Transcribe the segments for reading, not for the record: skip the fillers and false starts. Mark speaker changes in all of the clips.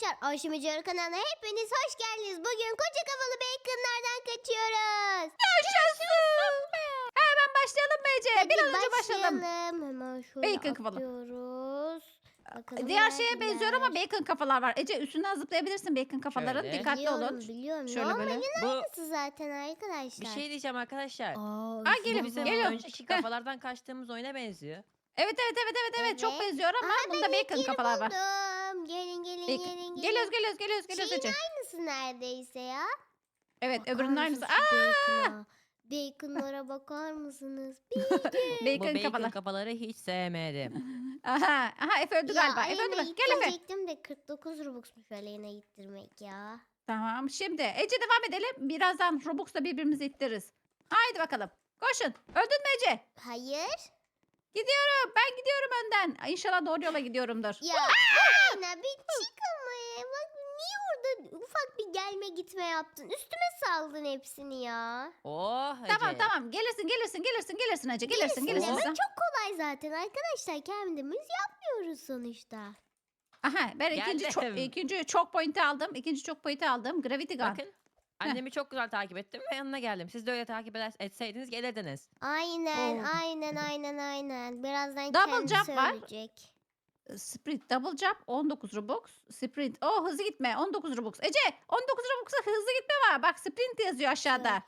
Speaker 1: Arkadaşlar Ayşe Mecara kanalına hepiniz hoş geldiniz. Bugün koca kafalı baconlardan kaçıyoruz.
Speaker 2: Yaşasın. Hemen başlayalım mı Ece?
Speaker 1: Hadi
Speaker 2: Bir an önce başlayalım.
Speaker 1: Hemen şöyle
Speaker 2: Bacon kafalı.
Speaker 1: atıyoruz. Bakalım
Speaker 2: Diğer şeye
Speaker 1: neredeler?
Speaker 2: benziyor ama bacon kafalar var. Ece üstünden zıplayabilirsin bacon kafaların.
Speaker 3: Şöyle.
Speaker 2: Dikkatli olun.
Speaker 1: Biliyorum.
Speaker 2: Şöyle böyle.
Speaker 1: Normalin
Speaker 3: Bu
Speaker 1: aynısı zaten arkadaşlar.
Speaker 3: bir şey diyeceğim arkadaşlar.
Speaker 2: Ha,
Speaker 1: üstüne
Speaker 2: gelin,
Speaker 3: Bu bizim
Speaker 2: geliyorum.
Speaker 3: önceki kafalardan kaçtığımız oyuna benziyor.
Speaker 2: Evet. Çok
Speaker 1: Evet.
Speaker 2: benziyor ama
Speaker 1: Aha,
Speaker 2: bunda bacon
Speaker 1: Yeri
Speaker 2: kafalar var.
Speaker 1: buldum. Gelin.
Speaker 2: Bacon. Geliyoruz
Speaker 1: Şeyin
Speaker 2: Ece.
Speaker 1: aynısı neredeyse ya.
Speaker 2: Evet
Speaker 1: Bakar
Speaker 2: öbürünün aynısı.
Speaker 1: mısınız şu bacon'a? Bacon'lara bakar mısınız?
Speaker 3: Bu
Speaker 2: Bacon
Speaker 3: bacon
Speaker 2: kafalar.
Speaker 3: kafaları hiç sevmedim.
Speaker 2: Aha Efe öldü galiba. Efe öldü
Speaker 1: Aleyna
Speaker 2: mü? Gel Efe.
Speaker 1: ittirecektim de 49 Robux'muş Aleyna ittirmek ya.
Speaker 2: Tamam şimdi Ece devam edelim. Birazdan Robux'la birbirimizi ittiririz. Haydi bakalım. Koşun. Öldün mü Ece?
Speaker 1: Hayır.
Speaker 2: Ben gidiyorum önden. İnşallah doğru yola gidiyorumdur.
Speaker 1: Ya Aleyna bir çık ama ya. Bak niye orada ufak bir gelme gitme yaptın? Üstüme saldın hepsini ya.
Speaker 3: Oh Ece.
Speaker 2: Tamam. Gelirsin Ece.
Speaker 1: Gelirsin
Speaker 2: Gelirsin.
Speaker 1: demek çok kolay zaten arkadaşlar. Kendimiz yapmıyoruz sonuçta.
Speaker 2: Aha ben
Speaker 3: Geldim.
Speaker 2: ikinci çok point'i aldım. İkinci çok point'i aldım. Gravity Gun.
Speaker 3: Bakın. Annemi çok güzel takip ettim ve yanına geldim. Siz de öyle takip etseydiniz gelirdiniz.
Speaker 1: Aynen,
Speaker 2: Oo.
Speaker 1: aynen. Birazdan
Speaker 2: Double
Speaker 1: kendi
Speaker 2: jump var.
Speaker 1: söyleyecek.
Speaker 2: Sprint double jump 19 Robux. Sprint. Hızlı gitme 19 Robux. Ece 19 Robux'a hızlı gitme var. Bak sprint yazıyor aşağıda.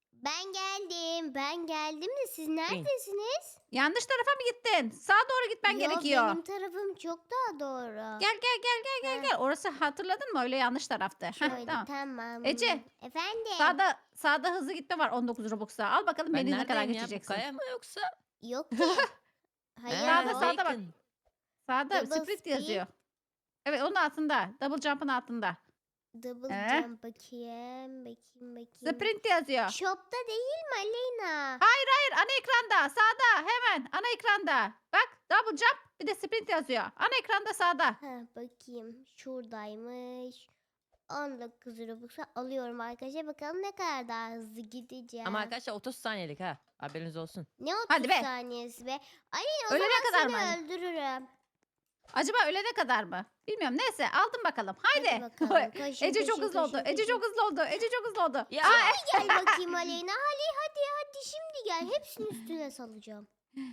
Speaker 1: Ben geldim de siz neredesiniz?
Speaker 2: Yanlış tarafa mı gittin? Sağa doğru gitmen
Speaker 1: Yo,
Speaker 2: gerekiyor.
Speaker 1: benim tarafım çok daha doğru.
Speaker 2: Gel. Orası hatırladın mı? Öyle yanlış taraftı. Heh,
Speaker 1: Şöyle
Speaker 2: tamam.
Speaker 1: tamam.
Speaker 2: Ece,
Speaker 1: Efendim?
Speaker 2: Sağda hızlı gitme var 19 Robux'a. Al bakalım
Speaker 3: Ben
Speaker 2: beni ne kadar
Speaker 3: neredeyim ya? Bu
Speaker 2: geçeceksin.
Speaker 3: kaya mı yoksa?
Speaker 1: Yok ki. Hayır.
Speaker 2: Sağda bak.
Speaker 3: bacon.
Speaker 2: Sağda
Speaker 1: Double
Speaker 2: sprint
Speaker 1: speed.
Speaker 2: yazıyor. Evet onun altında. Double jump'ın altında.
Speaker 1: Double jump bakayım.
Speaker 2: Sprint yazıyor.
Speaker 1: Shop'ta değil mi Aleyna?
Speaker 2: Hayır ana ekranda sağda hemen ana ekranda. Bak double jump bir de sprint yazıyor. Ana ekranda sağda.
Speaker 1: Ha, bakayım. Şuradaymış. 19 Robux'a alıyorum arkadaşlar. Bakalım ne kadar daha hızlı gideceğim.
Speaker 3: Ama arkadaşlar 30 saniyelik ha. Haberiniz olsun.
Speaker 1: Ne 30
Speaker 2: Hadi be.
Speaker 1: saniyesi be. Aleyna o
Speaker 2: Ölene
Speaker 1: zaman
Speaker 2: kadar
Speaker 1: seni
Speaker 2: mı?
Speaker 1: öldürürüm.
Speaker 2: Acaba ölene kadar mı? Bilmiyorum. Neyse aldım bakalım. Haydi.
Speaker 1: bakalım. Koşun,
Speaker 2: Ece çok
Speaker 1: koşun,
Speaker 2: hızlı oldu.
Speaker 1: koşun,
Speaker 2: Ece
Speaker 1: koşun.
Speaker 2: çok hızlı oldu. Ece çok hızlı oldu.
Speaker 3: Ya.
Speaker 1: Gel bakayım Aleyna. Hadi şimdi gel. Hepsini üstüne salacağım.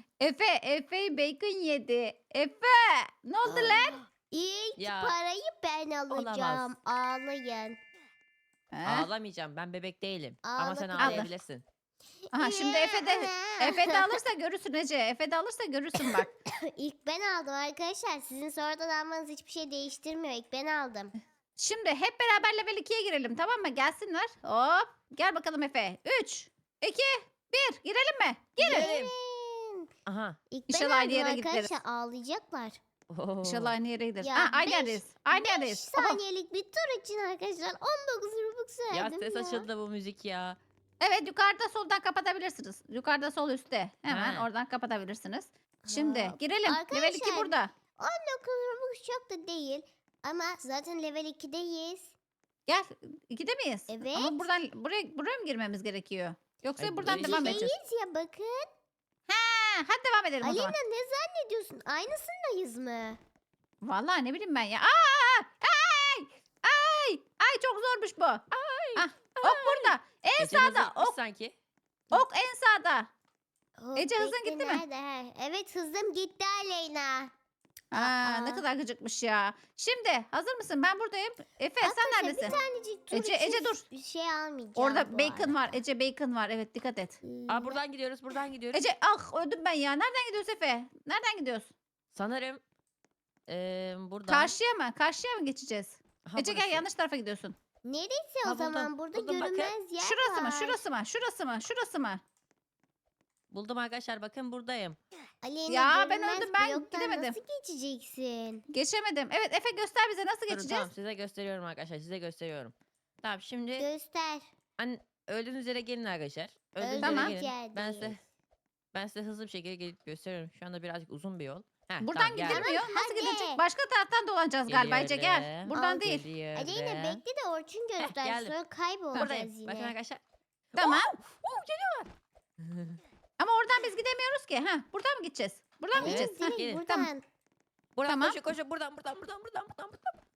Speaker 2: Efe bacon yedi. Efe ne oldu lan?
Speaker 1: İlk
Speaker 3: Ya,
Speaker 1: parayı ben alacağım. Ağlayın.
Speaker 3: Ağlamayacağım. Ben bebek değilim. Ama sen
Speaker 1: Ağla.
Speaker 3: ağlayabilirsin.
Speaker 2: Aha şimdi Efe de alırsa görürsün Ece. Efe de alırsa görürsün bak.
Speaker 1: İlk ben aldım arkadaşlar. Sizin sonradan almanız hiçbir şey değiştirmiyor. İlk ben aldım.
Speaker 2: Şimdi hep beraber level 2'ye girelim tamam mı? Gelsinler. Hop. Gel bakalım Efe. 3, 2, 1. Girelim mi? Girin.
Speaker 3: Girelim. Aha.
Speaker 1: İlk ben
Speaker 2: İnşallah aynı
Speaker 1: aldım
Speaker 2: yere
Speaker 1: arkadaşlar.
Speaker 2: gideriz.
Speaker 1: Ağlayacaklar.
Speaker 3: Oo.
Speaker 2: İnşallah aynı yere gideriz.
Speaker 1: Ya,
Speaker 2: Aynı
Speaker 1: beş-
Speaker 2: yerdeyiz. Aynı
Speaker 1: 5
Speaker 2: yerdeyiz. Oho.
Speaker 1: saniyelik bir tur için arkadaşlar 19 Robux
Speaker 3: Ya
Speaker 1: verdim
Speaker 3: ses
Speaker 1: ya.
Speaker 3: açıldı bu müzik ya.
Speaker 2: Evet yukarıda soldan kapatabilirsiniz. Yukarıda sol üstte. Hemen
Speaker 3: Ha.
Speaker 2: oradan kapatabilirsiniz. Şimdi
Speaker 1: Hop.
Speaker 2: girelim. Level 2
Speaker 1: Arkadaşlar,
Speaker 2: burada.
Speaker 1: 19 Robux çok da değil. Ama zaten level 2'deyiz.
Speaker 2: Gel. 2'de miyiz?
Speaker 1: Evet.
Speaker 2: Ama buradan buraya mı girmemiz gerekiyor? Yoksa
Speaker 3: Ay,
Speaker 2: buradan
Speaker 3: böyle
Speaker 2: devam
Speaker 3: şey-
Speaker 2: edeceğiz.
Speaker 1: İkideyiz ya bakın.
Speaker 2: Ha, hadi devam edelim o
Speaker 1: Aleyna
Speaker 2: zaman.
Speaker 1: ne zannediyorsun? Aynısındayız mı?
Speaker 2: Vallahi ne bileyim ben ya. Ay çok zormuş bu. Ah, ok burada. En
Speaker 3: Ece hızlı
Speaker 2: sağda.
Speaker 3: gitmiş
Speaker 2: Ok,
Speaker 3: sanki.
Speaker 2: ok en sağda.
Speaker 1: Hop,
Speaker 2: Ece, hızın
Speaker 1: bekle,
Speaker 2: gitti mi?
Speaker 1: nerede? He, evet hızım gitti Aleyna.
Speaker 2: Ne kadar gıcıkmış ya. Şimdi hazır mısın? Ben buradayım. Efe sen
Speaker 1: Arkadaşlar,
Speaker 2: neredesin?
Speaker 1: Bir tanecik tur
Speaker 2: Ece,
Speaker 1: için
Speaker 2: Ece dur.
Speaker 1: bir şey almayacağım
Speaker 2: Orada
Speaker 1: bu
Speaker 2: bacon var.
Speaker 1: arada.
Speaker 2: Ece bacon var. Evet dikkat et.
Speaker 3: Aa buradan gidiyoruz.
Speaker 2: Ece öldüm ben ya. Nereden gidiyoruz Efe? Nereden gidiyoruz?
Speaker 3: Sanırım buradan.
Speaker 2: Karşıya mı? Karşıya mı geçeceğiz?
Speaker 3: Aha,
Speaker 2: Ece gel
Speaker 3: burası.
Speaker 2: yanlış tarafa gidiyorsun.
Speaker 1: Neresi o
Speaker 3: Ha, buldum,
Speaker 1: zaman? Burada
Speaker 3: buldum, bakın.
Speaker 1: görünmez yer
Speaker 2: Şurası
Speaker 1: var.
Speaker 2: mı? Şurası mı? Şurası mı? Şurası mı?
Speaker 3: Buldum arkadaşlar bakın buradayım.
Speaker 1: Aleyna
Speaker 2: Ya, ben
Speaker 1: görünmez
Speaker 2: öldüm, ben
Speaker 1: bloktan
Speaker 2: gidemedim.
Speaker 1: nasıl geçeceksin?
Speaker 2: Geçemedim. Evet Efe göster bize nasıl
Speaker 3: Durun,
Speaker 2: geçeceğiz?
Speaker 3: tamam size gösteriyorum arkadaşlar size gösteriyorum. Tamam şimdi
Speaker 1: Göster.
Speaker 3: öldüğünüz yere gelin arkadaşlar. Öldüğünüz
Speaker 1: Öldüğümüz
Speaker 2: Tamam.
Speaker 3: yere gelin.
Speaker 1: yerdeyiz.
Speaker 3: Ben size hızlı bir şekilde gelip gösteriyorum. Şu anda birazcık uzun bir yol. Heh,
Speaker 2: Buradan
Speaker 3: tamam, geldim.
Speaker 2: gidilmiyor. Nasıl
Speaker 1: hadi.
Speaker 2: gidilecek? Başka taraftan dolanacağız galiba Ece gel.
Speaker 3: Geliyorum.
Speaker 2: Buradan
Speaker 1: Al,
Speaker 2: değil.
Speaker 3: Geliyorum.
Speaker 1: Aleyna bekle de Orçun göster.
Speaker 3: geldim.
Speaker 1: Sonra kaybolacağız
Speaker 3: Buradayım.
Speaker 1: yine.
Speaker 3: Bakın arkadaşlar.
Speaker 2: Tamam.
Speaker 3: Geliyorlar.
Speaker 2: Ama oradan biz gidemiyoruz ki. Ha, buradan mı gideceğiz? Buradan mı
Speaker 1: Aleyna
Speaker 2: gideceğiz? Ha,
Speaker 1: direkt
Speaker 3: gelin.
Speaker 1: buradan.
Speaker 2: Tamam.
Speaker 3: Buradan
Speaker 2: Tamam.
Speaker 3: koşun koşun buradan.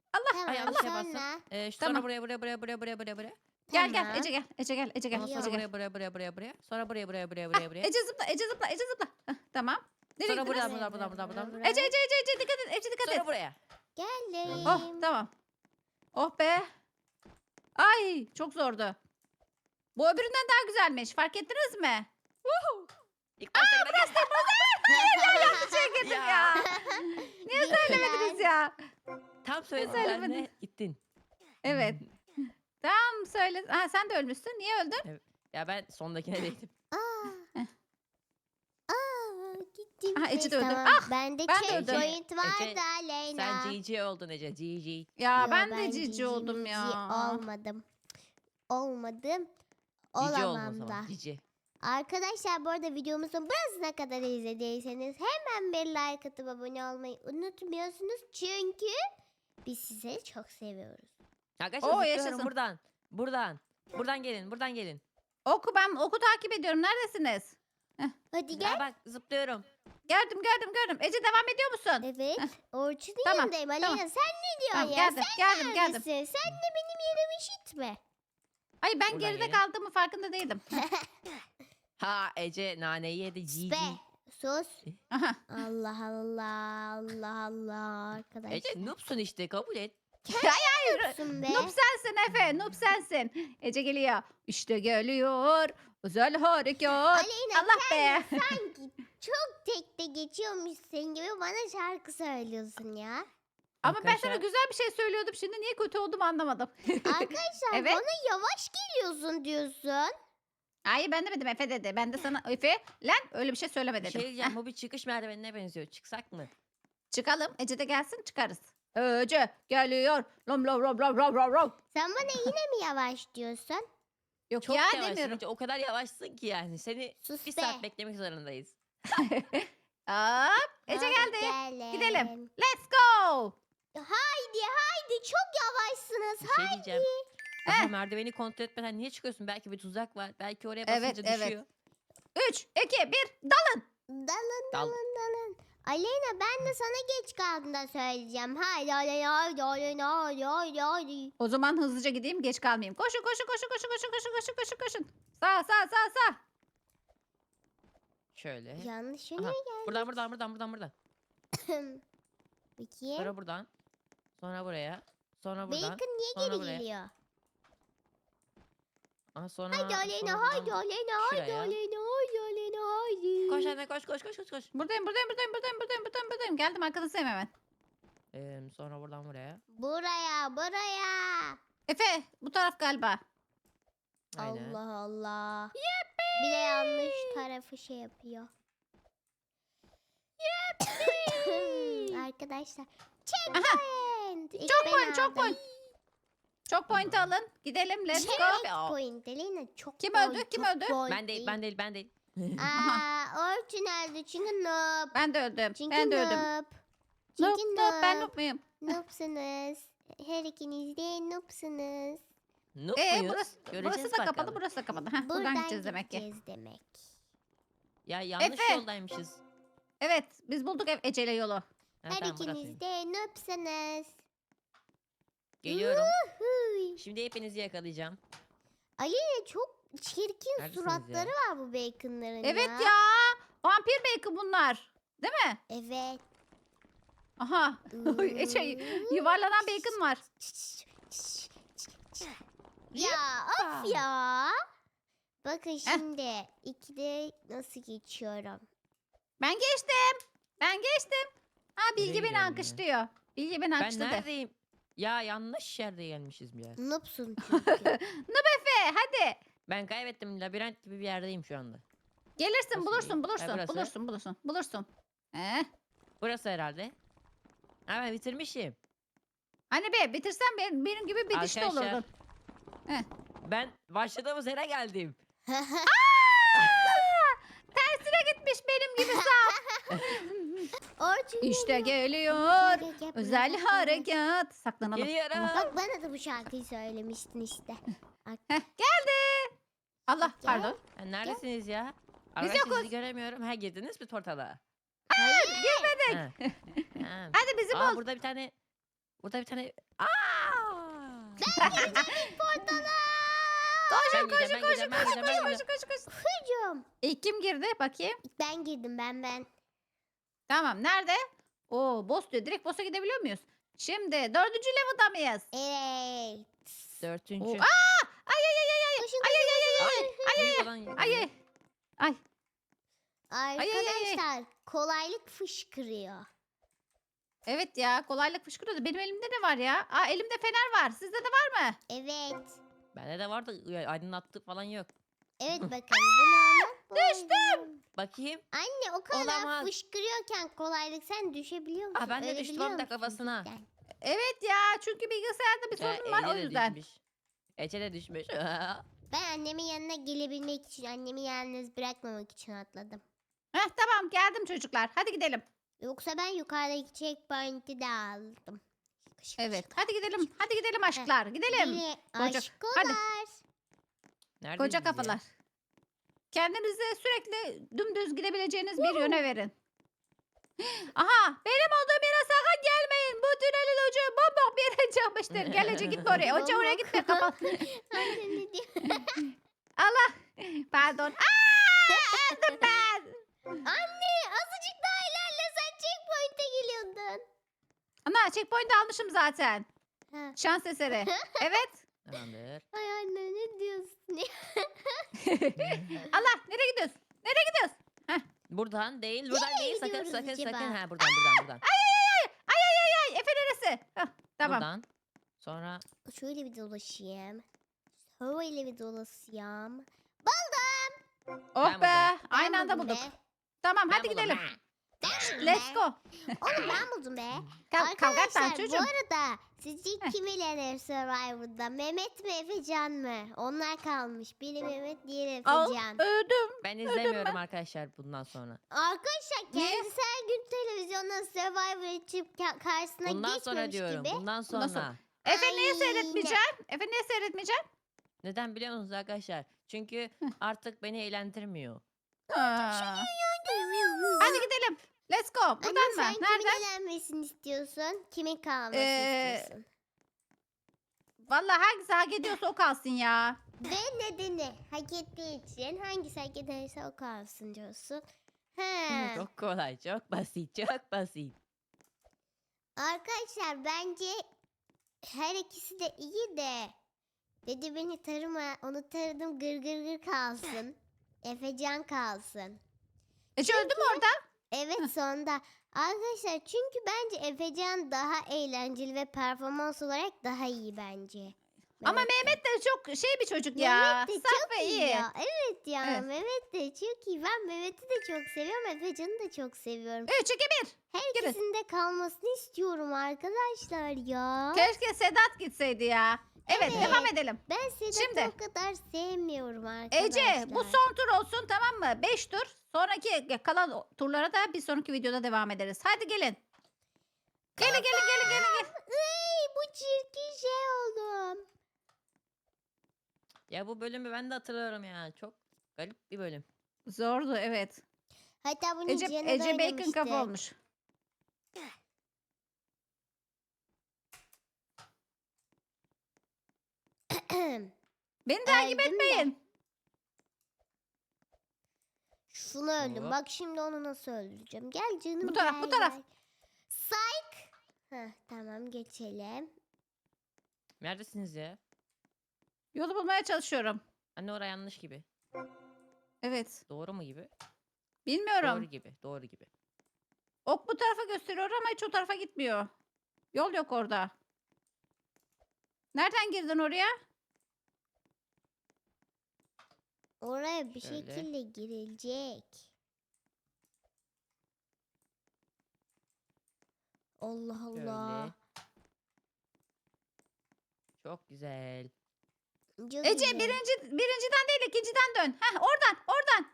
Speaker 1: Tamam,
Speaker 3: Ay, yanlış yaparsın.
Speaker 1: sonra.
Speaker 3: Sonra
Speaker 2: Tamam.
Speaker 3: buraya.
Speaker 2: Gel
Speaker 1: Tamam.
Speaker 2: Ece gel. Ece gel. Ece gel.
Speaker 3: Ondan
Speaker 2: Ece
Speaker 3: sonra
Speaker 2: gel.
Speaker 3: buraya. Sonra buraya.
Speaker 2: Ah, Ece zıpla. Ece zıpla. Ece zıpla. Heh, tamam. Nereye
Speaker 3: Sonra
Speaker 2: gittiniz?
Speaker 3: buradan.
Speaker 2: Ece dikkat et. Ece dikkat et.
Speaker 3: Sonra buraya.
Speaker 1: Geldim.
Speaker 2: Oh tamam. Oh be. Ay çok zordu. Bu öbüründen daha güzelmiş. Fark ettiniz mi?
Speaker 3: İlk başta burası
Speaker 2: Şey girdim ya. Niye söylemediniz ya?
Speaker 3: Tam söyledim
Speaker 2: Söylemedin.
Speaker 3: ben de gittin.
Speaker 2: Evet. Tamam söyle. Ha, sen de ölmüşsün. Niye öldün?
Speaker 3: Ya ben sondakine değdim.
Speaker 1: Aa. Aa, gittim.
Speaker 2: Aha, Ece de
Speaker 1: Neyse,
Speaker 2: öldü.
Speaker 1: tamam.
Speaker 2: Ah,
Speaker 1: Bende
Speaker 2: ben de
Speaker 1: checkpoint
Speaker 3: öldüm.
Speaker 1: vardı
Speaker 3: Ece,
Speaker 1: Aleyna.
Speaker 3: Sen GG oldun Ece. GG.
Speaker 2: Ya
Speaker 1: Yo,
Speaker 2: ben de cici oldum
Speaker 1: cici
Speaker 2: ya.
Speaker 1: olmadım. Olmadım.
Speaker 3: GG oldun o
Speaker 1: Olamam da.
Speaker 3: zaman. GG.
Speaker 1: Arkadaşlar bu arada videomuzun burasına kadar izlediyseniz hemen bir like atıp abone olmayı unutmuyorsunuz. Çünkü biz sizi çok seviyoruz.
Speaker 3: Arkadaşlar
Speaker 2: Oo,
Speaker 3: zıplıyorum
Speaker 2: yaşasın.
Speaker 3: buradan. Buradan gelin.
Speaker 2: Ben oku takip ediyorum. Neredesiniz?
Speaker 1: Hadi gel.
Speaker 3: Ya bak zıplıyorum.
Speaker 2: Gördüm. Ece devam ediyor musun?
Speaker 1: Evet. Orçun'un
Speaker 2: Tamam,
Speaker 1: yanındayım Aleyna.
Speaker 2: tamam.
Speaker 1: Sen ne diyorsun
Speaker 2: Tamam,
Speaker 1: ya?
Speaker 2: geldim.
Speaker 1: Sen
Speaker 2: Geldim.
Speaker 1: neredesin? Sen de benim yerimi işitme.
Speaker 2: Ay ben
Speaker 3: Buradan
Speaker 2: geride
Speaker 3: gelin.
Speaker 2: kaldığımı farkında değildim.
Speaker 3: Ha Ece naneyi yedi. GG.
Speaker 1: Be. Sus.
Speaker 2: Aha.
Speaker 1: Allah arkadaş.
Speaker 3: Ece noobsun işte kabul et.
Speaker 1: Sus be.
Speaker 2: Noob sensin Efe. Noob sensin. Ece geliyor. İşte geliyor. Özel harekat.
Speaker 1: Aleyna
Speaker 2: Allah be.
Speaker 1: sanki çok tekte geçiyormuşsun gibi bana şarkı söylüyorsun ya.
Speaker 2: Ama ben sana
Speaker 3: Arkadaşlar-
Speaker 2: güzel bir şey söylüyordum. Şimdi niye kötü olduğumu anlamadım.
Speaker 1: Arkadaşlar
Speaker 2: Evet.
Speaker 1: bana yavaş geliyorsun diyorsun.
Speaker 2: Hayır ben demedim Efe dedi. Ben de sana Efe lan öyle bir şey söyleme
Speaker 3: Bir
Speaker 2: dedim.
Speaker 3: şey diyeceğim
Speaker 2: Heh,
Speaker 3: bu bir çıkış merdivenine benziyor. Çıksak mı?
Speaker 2: çıkalım. Ece de gelsin çıkarız. Ece geliyor. Rom rom rom rom rom rom rom.
Speaker 1: Sen bana yine mi yavaş diyorsun?
Speaker 2: Yok
Speaker 3: Çok
Speaker 2: ya
Speaker 3: yavaşsın
Speaker 2: demiyorum.
Speaker 3: Ece, o kadar yavaşsın ki yani. Seni
Speaker 1: Sus
Speaker 3: bir
Speaker 1: be.
Speaker 3: saat beklemek zorundayız.
Speaker 2: Hop. Ece
Speaker 1: Hadi
Speaker 2: geldi.
Speaker 1: gelin.
Speaker 2: Gidelim. Let's go.
Speaker 1: Haydi çok yavaşsınız.
Speaker 3: Bir şey diyeceğim. Daha merdiveni kontrol etmeden niye çıkıyorsun? Belki bir tuzak var. Belki oraya basınca
Speaker 2: Evet, evet.
Speaker 3: düşüyor.
Speaker 2: 3, 2, 1 dalın.
Speaker 1: Dalın
Speaker 3: Dal.
Speaker 1: dalın. Aleyna ben de sana geç kaldığında söyleyeceğim. Haydi haydi.
Speaker 2: O zaman hızlıca gideyim geç kalmayayım. Koşun. Koşun. Sağ.
Speaker 3: Şöyle.
Speaker 1: Yanlış
Speaker 3: Aha,
Speaker 1: yöne
Speaker 3: buradan.
Speaker 1: Bakayım.
Speaker 3: Sonra buradan. Sonra buraya. Sonra buradan.
Speaker 1: Bacon niye
Speaker 3: sonra
Speaker 1: geri
Speaker 3: buraya.
Speaker 1: geliyor?
Speaker 3: Aha, sonra,
Speaker 1: Haydi Aleyna
Speaker 3: sonra
Speaker 1: haydi
Speaker 3: buradan
Speaker 1: Aleyna haydi
Speaker 3: şuraya.
Speaker 1: Aleyna haydi.
Speaker 3: Koş anne koş.
Speaker 2: Buradayım. Geldim arkadaşım hemen.
Speaker 3: Sonra buradan buraya.
Speaker 1: Buraya.
Speaker 2: Efe bu taraf galiba.
Speaker 3: Aynen.
Speaker 1: Allah. Bir de yanlış tarafı şey yapıyor. Arkadaşlar. Checkpoint. İlk ben
Speaker 2: Çok
Speaker 1: aldım.
Speaker 2: point. Çok point alın. Gidelim let's go.
Speaker 1: Checkpoint. Aleyna çok
Speaker 2: Kim
Speaker 1: point,
Speaker 2: öldü? Kim
Speaker 1: çok
Speaker 2: öldü?
Speaker 1: point
Speaker 3: Ben değil.
Speaker 1: Orçun öldü çünkü noob.
Speaker 2: Ben de öldüm.
Speaker 1: Çünkü
Speaker 2: Ben de öldüm.
Speaker 1: noob.
Speaker 2: Noob,
Speaker 1: Çünkü
Speaker 2: noob, ben
Speaker 1: noob.
Speaker 2: noob muyum?
Speaker 1: Noobsunuz. Her ikiniz de noobsunuz.
Speaker 3: Noob muyuz?
Speaker 2: Burası
Speaker 3: Göreceğiz
Speaker 2: da kapalı,
Speaker 3: bakalım.
Speaker 2: burası da kapalı. Heh, buradan gideceğiz demek ki.
Speaker 1: demek.
Speaker 3: Ya yanlış
Speaker 2: Efe.
Speaker 3: yoldaymışız.
Speaker 2: Evet biz bulduk Ece'yle yolu.
Speaker 3: Ha,
Speaker 1: Her
Speaker 3: tamam,
Speaker 1: ikiniz
Speaker 3: burasıymış.
Speaker 1: de noobsunuz.
Speaker 3: Geliyorum.
Speaker 1: Huy.
Speaker 3: Şimdi hepinizi yakalayacağım.
Speaker 1: Aleyna çok çirkin
Speaker 3: Neredesiniz
Speaker 1: suratları
Speaker 3: ya?
Speaker 1: var bu baconların
Speaker 2: Evet
Speaker 1: ya.
Speaker 2: ya. Vampir bacon bunlar. Değil mi?
Speaker 1: Evet.
Speaker 2: Aha. Ece yuvarlanan bacon var.
Speaker 1: Ya of ya. Bakın şimdi ikide nasıl geçiyorum.
Speaker 2: Ben geçtim. Ha Bilge
Speaker 3: Nereye
Speaker 2: beni
Speaker 3: gidiyorum ya?
Speaker 2: alkışlıyor. Bilge beni
Speaker 3: Ben
Speaker 2: alkışladı.
Speaker 3: neredeyim? Ya yanlış yerde gelmişiz ya.
Speaker 1: Noobsun çünkü.
Speaker 2: Efe hadi.
Speaker 3: Ben kaybettim. Labirent gibi bir yerdeyim şu anda.
Speaker 2: Gelirsin
Speaker 3: Nasıl iyi?
Speaker 2: bulursun. Bulursun.
Speaker 3: Burası herhalde. Ha ben bitirmişim.
Speaker 2: Hani be bitirsen benim gibi bir dişli
Speaker 3: Arkadaşlar,
Speaker 2: olurdun.
Speaker 3: Ben başladığımız yere geldim.
Speaker 2: Tersine gitmiş benim gibi sağ.
Speaker 1: Orçun
Speaker 2: İşte geliyor. Özel harekat. Saklanalım.
Speaker 3: Geliyorum.
Speaker 1: Bak bana da bu şarkıyı söylemiştin işte.
Speaker 2: Heh, geldi. Allah
Speaker 1: Gel.
Speaker 2: pardon.
Speaker 3: Ha, neredesiniz ya?
Speaker 2: Biz
Speaker 3: Arkadaşlar
Speaker 2: yokuz.
Speaker 3: sizi göremiyorum. Ha girdiniz mi portala?
Speaker 1: Hayır.
Speaker 3: Ha. Ha.
Speaker 2: Hadi bizi
Speaker 3: Aa,
Speaker 2: bul.
Speaker 3: burada bir tane Burada bir tane... Aa!
Speaker 1: Portala.
Speaker 2: Koşun
Speaker 3: Ben gideceğim,
Speaker 2: koşun
Speaker 3: ben
Speaker 2: koşun
Speaker 3: gideceğim, ben
Speaker 2: koşun
Speaker 3: gideceğim,
Speaker 2: koşun koşun koşun.
Speaker 1: Hücum.
Speaker 2: İlk kim girdi bakayım.
Speaker 1: Ben girdim ben.
Speaker 2: Tamam nerede? Oo boss diyor. Direkt boss'a gidebiliyor muyuz? Şimdi 4. level'da mıyız?
Speaker 1: Evet.
Speaker 3: Dördüncü.
Speaker 2: Oo, aa! Ay ay ay ay ay.
Speaker 1: Koşun
Speaker 2: Ay ay ay ay ay.
Speaker 3: Büyük olan
Speaker 2: Ay ay. Ay. ay, ay.
Speaker 1: Arkadaşlar kolaylık fışkırıyor.
Speaker 2: Evet ya kolaylık fışkırıyordu. Benim elimde ne var ya? Aa elimde fener var. Sizde de var mı?
Speaker 1: Evet.
Speaker 3: Bende de vardı. Aydınlattığı falan yok.
Speaker 1: Evet bakın bunu anlat.
Speaker 2: Düştüm.
Speaker 3: Bakayım.
Speaker 1: Anne o kadar
Speaker 3: Olamaz.
Speaker 1: fışkırıyorken kolaylık sen düşebiliyor musun?
Speaker 3: Aa, ben de
Speaker 1: Öyle
Speaker 3: düştüm
Speaker 1: biliyor
Speaker 3: hem de
Speaker 1: musun
Speaker 3: kafasına.
Speaker 1: cidden?
Speaker 2: Evet ya çünkü bilgisayarda bir sorun var o
Speaker 3: Ece de
Speaker 2: yüzden.
Speaker 3: düşmüş. Ece de düşmüş.
Speaker 1: Ben annemin yanına gelebilmek için, annemi yalnız bırakmamak için atladım.
Speaker 2: Heh, tamam geldim çocuklar. Hadi gidelim.
Speaker 1: Yoksa ben yukarıdaki checkpoint'i de aldım. Şık
Speaker 2: Evet
Speaker 1: şık.
Speaker 2: hadi gidelim. Hadi gidelim aşklar. Gidelim.
Speaker 1: Yine
Speaker 2: Koca-
Speaker 1: aşkolar.
Speaker 3: Neredeyiz
Speaker 2: Koca
Speaker 3: biz ya?
Speaker 2: kafalar. Kendinize sürekli dümdüz gidebileceğiniz bir yöne verin. Aha benim olduğum yere sakın gelmeyin. Bu tünelin ucu bomboş bir yere çıkmıştır. Gel Ece gitme oraya. Ece oraya gitme kapat.
Speaker 1: Anne ne diyor?
Speaker 2: Allah. Pardon. Aa, öldüm ben.
Speaker 1: Anne azıcık daha ilerlesen checkpoint'e geliyordun.
Speaker 2: Ana checkpoint almışım zaten.
Speaker 1: Ha.
Speaker 2: Şans eseri. Evet.
Speaker 3: Tamamdır.
Speaker 1: Ay anne ne diyorsun?
Speaker 2: Allah nereye gidiyorsun? Nereye gidiyorsun?
Speaker 3: Buradan değil, buradan
Speaker 1: Nereye
Speaker 3: değil. Sakın,
Speaker 1: gidiyoruz
Speaker 3: sakın,
Speaker 1: acaba?
Speaker 3: sakın. Ha, buradan.
Speaker 2: Ay Efe neresi? Hah, tamam.
Speaker 3: Buradan. Sonra
Speaker 1: Şöyle bir dolaşayım. Şöyle bir dolaşayım.
Speaker 2: Oh
Speaker 3: Ben
Speaker 2: be.
Speaker 3: buldum.
Speaker 2: Aynı anda
Speaker 1: buldum
Speaker 2: bulduk.
Speaker 1: be.
Speaker 2: Tamam
Speaker 3: Ben
Speaker 2: hadi
Speaker 3: buldum.
Speaker 2: gidelim.
Speaker 1: Ben buldum
Speaker 2: Let's
Speaker 1: be.
Speaker 2: go.
Speaker 1: Oğlum ben buldum be.
Speaker 2: Kavga etme
Speaker 1: Arkadaşlar bu
Speaker 2: çocuğum.
Speaker 1: arada sizce kim elenir Survivor'da? Mehmet mi Efecan mı? Onlar kalmış. Biri Mehmet diğeri
Speaker 2: Al
Speaker 1: Efecan.
Speaker 2: öldüm.
Speaker 3: ben izlemiyorum arkadaşlar bundan sonra.
Speaker 1: Arkadaşlar
Speaker 2: Niye?
Speaker 1: kendisi her gün televizyonda Survivor açıp karşısına
Speaker 3: Bundan sonra
Speaker 1: geçmemiş
Speaker 3: diyorum.
Speaker 1: gibi.
Speaker 3: Bundan
Speaker 2: Bundan sonra.
Speaker 3: sonra.
Speaker 2: Efe niye
Speaker 1: Aynen.
Speaker 2: seyretmeyeceksin? Efe niye seyretmeyeceksin?
Speaker 3: Neden biliyor musunuz arkadaşlar? Çünkü artık beni eğlendirmiyor.
Speaker 2: Aa. Hadi gidelim. Let's go.
Speaker 1: Anne
Speaker 2: Buradan
Speaker 1: sen
Speaker 2: mı?
Speaker 1: kimin
Speaker 2: Nereden?
Speaker 1: elenmesini istiyorsun? Kimin kalmasını istiyorsun?
Speaker 2: Vallahi hangisi hak ediyorsa o kalsın ya.
Speaker 1: Ve nedeni hak ettiği için hangisi hak ederse o kalsın diyorsun. He.
Speaker 3: Çok kolay, çok basit, çok basit.
Speaker 1: Arkadaşlar bence her ikisi de iyi de dedi beni tarıma onu taradım gır gır gır kalsın. Efecan kalsın.
Speaker 2: Ece öldü mü orada?
Speaker 1: Evet sonunda. Arkadaşlar çünkü bence Efecan daha eğlenceli ve performans olarak daha iyi bence.
Speaker 2: Ama
Speaker 1: Mehmet'ten.
Speaker 2: Mehmet de çok şey bir çocuk ya.
Speaker 1: Mehmet de
Speaker 2: Saf
Speaker 1: çok
Speaker 2: ve
Speaker 1: iyi
Speaker 2: iyi.
Speaker 1: ya. Evet ya
Speaker 2: Evet.
Speaker 1: Mehmet de çok iyi. Ben Mehmet'i de çok seviyorum. Efecan'ı da çok seviyorum.
Speaker 2: 3, 2, 1.
Speaker 1: Her
Speaker 2: girin.
Speaker 1: ikisinde kalmasını istiyorum arkadaşlar ya.
Speaker 2: Keşke Sedat gitseydi ya. Evet,
Speaker 1: Evet.
Speaker 2: devam edelim.
Speaker 1: Ben Sedat'ı
Speaker 2: Şimdi.
Speaker 1: o kadar sevmiyorum arkadaşlar.
Speaker 2: Ece bu son tur olsun tamam mı? 5 tur. Sonraki kalan turlara da bir sonraki videoda devam ederiz. Hadi gelin. Gelin.
Speaker 1: Iy, bu çirkin şey oldum.
Speaker 3: Ya bu bölümü ben de hatırlıyorum ya. Çok garip bir bölüm.
Speaker 2: Zordu evet.
Speaker 1: Hatta bunu
Speaker 2: Ece,
Speaker 1: Cihan'a da
Speaker 2: Ece bacon
Speaker 1: oynamıştık.
Speaker 2: kafa olmuş. Beni takip
Speaker 1: Öldüm de.
Speaker 2: etmeyin.
Speaker 1: Şunu öldüm.
Speaker 3: Hop.
Speaker 1: Bak şimdi onu nasıl öldüreceğim. Gel canım
Speaker 2: Bu taraf,
Speaker 1: gel,
Speaker 2: bu taraf.
Speaker 1: gel. Psych. Heh, tamam geçelim.
Speaker 3: Neredesiniz ya?
Speaker 2: Yolu bulmaya çalışıyorum.
Speaker 3: Anne oraya yanlış gibi.
Speaker 2: Evet.
Speaker 3: Doğru mu gibi?
Speaker 2: Bilmiyorum.
Speaker 3: Doğru gibi. Doğru gibi.
Speaker 2: Ok bu tarafa gösteriyor ama hiç o tarafa gitmiyor. Yol yok orada. Nereden girdin oraya?
Speaker 1: Oraya bir
Speaker 3: Şöyle.
Speaker 1: şekilde girilecek. Allah Allah.
Speaker 3: Şöyle. Çok güzel.
Speaker 1: Çok
Speaker 2: Ece
Speaker 1: güzel.
Speaker 2: birinciden değil ikinciden dön. Heh oradan.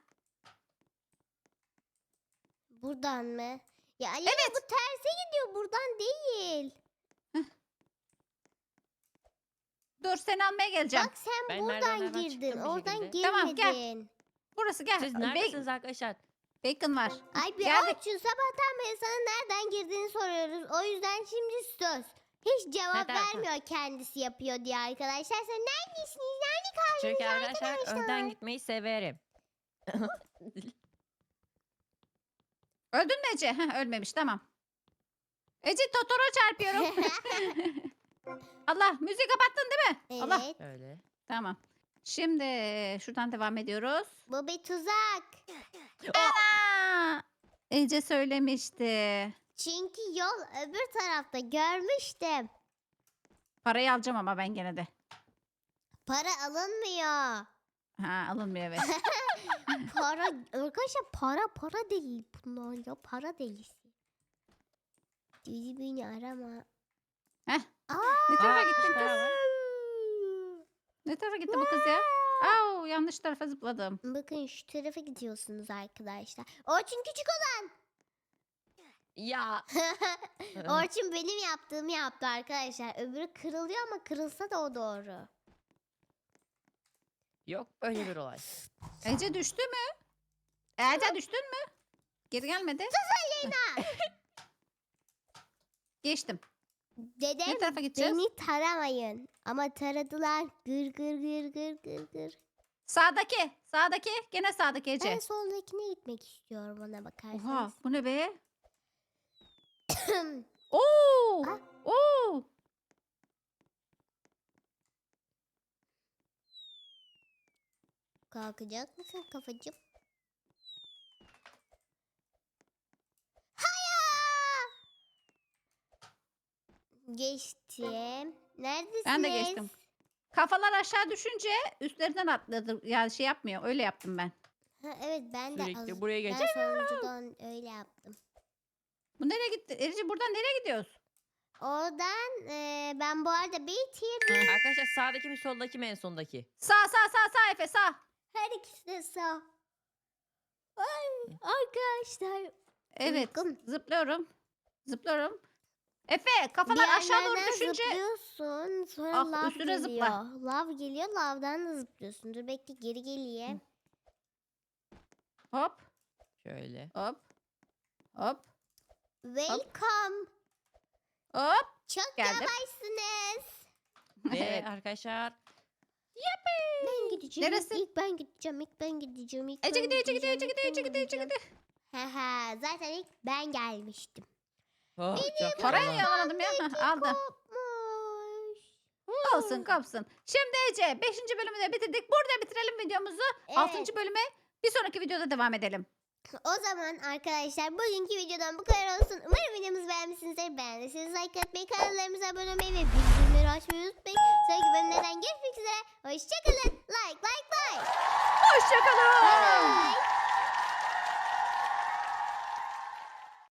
Speaker 1: Buradan mı? Ya Alena bu terse gidiyor. Buradan değil.
Speaker 2: Dur seni almaya geleceğim.
Speaker 1: Bak sen
Speaker 3: Ben
Speaker 1: buradan
Speaker 3: merdivenlerden
Speaker 1: girdin.
Speaker 3: çıktım bir
Speaker 1: Oradan
Speaker 3: şekilde.
Speaker 2: Tamam, gel.
Speaker 1: girmedin.
Speaker 2: Burası gel.
Speaker 3: Siz
Speaker 2: Ba-
Speaker 3: neredesiniz arkadaşlar?
Speaker 2: Bacon var.
Speaker 1: Ay bir
Speaker 2: Geldik.
Speaker 1: Orçun sabahtan beri sana nereden girdiğini soruyoruz. O yüzden şimdi söz. Hiç cevap
Speaker 3: tamam.
Speaker 1: vermiyor kendisi yapıyor diye arkadaşlar. Sen neredesiniz? Nerede kaldınız
Speaker 3: Çünkü arkadaşlar
Speaker 1: arkadaşlar?
Speaker 3: önden gitmeyi severim.
Speaker 2: Öldün mü Ece? Heh, ölmemiş tamam. Ece Totoro çarpıyorum. Allah müziği kapattın değil mi? Allah.
Speaker 1: Evet.
Speaker 3: Öyle.
Speaker 2: Tamam. Şimdi şuradan devam ediyoruz.
Speaker 1: Bu bir tuzak.
Speaker 2: Ana! Ece söylemişti.
Speaker 1: Çünkü yol öbür tarafta görmüştüm.
Speaker 2: Parayı alacağım ama ben gene de.
Speaker 1: Para alınmıyor.
Speaker 2: Ha alınmıyor evet.
Speaker 1: Para arkadaşlar para değil bunlar ya para delisi. Deli beni arama.
Speaker 2: Heh.
Speaker 1: Aa,
Speaker 2: Ne tarafa
Speaker 3: Aa,
Speaker 2: gittin
Speaker 3: işte
Speaker 2: kız?
Speaker 3: var.
Speaker 2: Ne tarafa gitti bu kız ya? Au yanlış tarafa zıpladım.
Speaker 1: bakın şu tarafa gidiyorsunuz arkadaşlar. Orçun küçük olan.
Speaker 3: Ya.
Speaker 1: Orçun benim yaptığımı yaptı arkadaşlar. Öbürü kırılıyor ama kırılsa da o doğru.
Speaker 3: Yok böyle bir olay.
Speaker 2: Ece düştü mü? Ece düştün mü? Geri gelmedi. Geçtim. Ne
Speaker 1: Dedem
Speaker 2: tarafa gideceğiz?
Speaker 1: beni taramayın. Ama taradılar. Gır gır gır gır gır gır.
Speaker 2: Sağdaki. Sağdaki. Gene sağdaki Ece.
Speaker 1: Ben soldakine gitmek istiyorum ona
Speaker 2: Oha
Speaker 1: bakarsanız.
Speaker 2: bu ne be? Oo!
Speaker 1: Ah.
Speaker 2: Oo!
Speaker 1: Kalkacak mısın kafacığım? Hayır! Geçtim. Neredesiniz?
Speaker 2: Ben de geçtim. Kafalar aşağı düşünce üstlerinden atladım. Yani şey yapmıyor. Öyle yaptım ben.
Speaker 1: Ha, evet ben de
Speaker 3: Sürekli buraya
Speaker 1: ben
Speaker 3: gelecek.
Speaker 1: sonuncudan öyle yaptım.
Speaker 2: Bu nereye gitti? Ece buradan nereye gidiyoruz?
Speaker 1: Oradan ben bu arada bitirdim.
Speaker 3: Arkadaşlar sağdaki mi soldaki mi en sondaki?
Speaker 2: Sağ Efe sağ.
Speaker 1: Her ikisi de sağ. Ay, arkadaşlar.
Speaker 2: Evet.
Speaker 1: Uykum.
Speaker 2: Zıplıyorum. Zıplıyorum. Efe kafalar aşağı doğru
Speaker 1: Yerlerden
Speaker 2: düşünce.
Speaker 1: zıplıyorsun. Sonra
Speaker 2: Ah,
Speaker 1: lav
Speaker 2: üstüne
Speaker 1: geliyor.
Speaker 2: zıpla.
Speaker 1: Lav geliyor. Lavdan da zıplıyorsun. Dur bekle geri geleyim.
Speaker 2: Hop
Speaker 3: Şöyle.
Speaker 2: hop. Hop
Speaker 1: Welcome.
Speaker 2: hop.
Speaker 1: Çok
Speaker 2: Geldim.
Speaker 1: yavaşsınız.
Speaker 3: Ve arkadaşlar
Speaker 1: Ben gideceğim.
Speaker 2: Neresi?
Speaker 1: İlk ben gideceğim. İlk ben gideceğim. İlk
Speaker 2: Ece
Speaker 1: ben
Speaker 2: gidiyor Ece gidiyor
Speaker 1: gideceğim,
Speaker 2: Ece
Speaker 1: ilk
Speaker 2: gidiyor
Speaker 1: ben
Speaker 2: Ece gidiyor Ece
Speaker 1: gideceğim.
Speaker 2: gidiyor.
Speaker 1: Haha, zaten ilk ben gelmiştim.
Speaker 3: oh, çok
Speaker 2: Parayı
Speaker 3: güzel.
Speaker 2: yalamadım ya. Hah, aldım.
Speaker 1: Kopmuş.
Speaker 2: Olsun kopsun. Şimdi Ece 5. bölümü de bitirdik. Burada bitirelim videomuzu.
Speaker 1: Evet.
Speaker 2: 6. bölüme bir sonraki videoda devam edelim.
Speaker 1: O zaman arkadaşlar bugünkü videodan bu kadar olsun. Umarım videomuzu beğenmişsinizdir. Beğendiyseniz like atmayı, kanallarımıza abone olmayı ve bildirimleri açmayı unutmayın. Sonraki bölümlerden görüşmek üzere. Hoşçakalın. Like.
Speaker 2: Hoşçakalın.